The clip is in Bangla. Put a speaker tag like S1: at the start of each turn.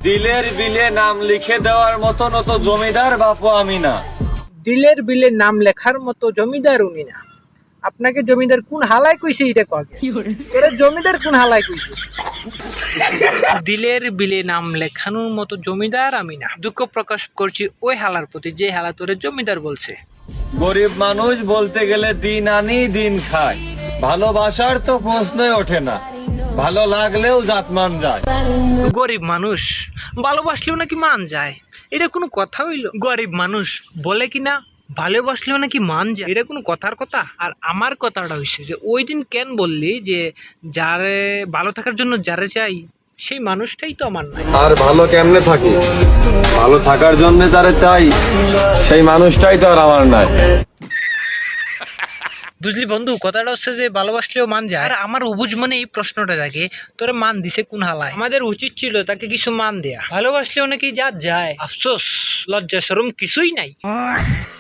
S1: দিলের বিলে নাম লিখে দেওয়ার মতন অত জমিদার বাপু আমি না।
S2: দিলের বিলে নাম লেখার মতো জমিদার উনি না। আপনাকে জমিদার কোন হালায় কইছে এটা কগে? তোরে জমিদার কোন হালায় কইছে? দিলের বিলে নাম লেখানোর মতো জমিদার আমি না। দুঃখ প্রকাশ করছি ওই হালার প্রতি যে হালা তোরে জমিদার বলছে।
S1: গরিব মানুষ বলতে গেলে দিন আনি দিন খায়, ভালোবাসার তো প্রশ্নই ওঠে না, ভালো লাগলেও জাতমান যায়।
S2: গরিব মানুষ ভালোবাসলেও নাকি মান যায়, এটা কোনো কথা হইল? গরিব মানুষ বলে কি না ভালোবাসলেও নাকি মান যায়, এটা কোনো কথার কথা? আর আমার কথাটা হইছে যে ওই দিন কেন বললি যে যারে ভালো থাকার জন্য যারে চাই সেই মানুষটাই তো আমার নাই।
S1: আর ভালো কেমনে থাকি, ভালো থাকার জন্য তারে চাই, সেই মানুষটাই তো আর আমার নাই।
S2: বুঝলি বন্ধু, কথাটা হচ্ছে যে ভালোবাসলেও মান যায়। আর আমার অবুঝ মনে এই প্রশ্নটা থাকে, তোরে মান দিছে কোন হালায়? আমাদের উচিত ছিল তাকে কিছু মান দেয়া। ভালোবাসলেও নাকি যা যায়, আফসোস লজ্জা শরম কিছুই নাই।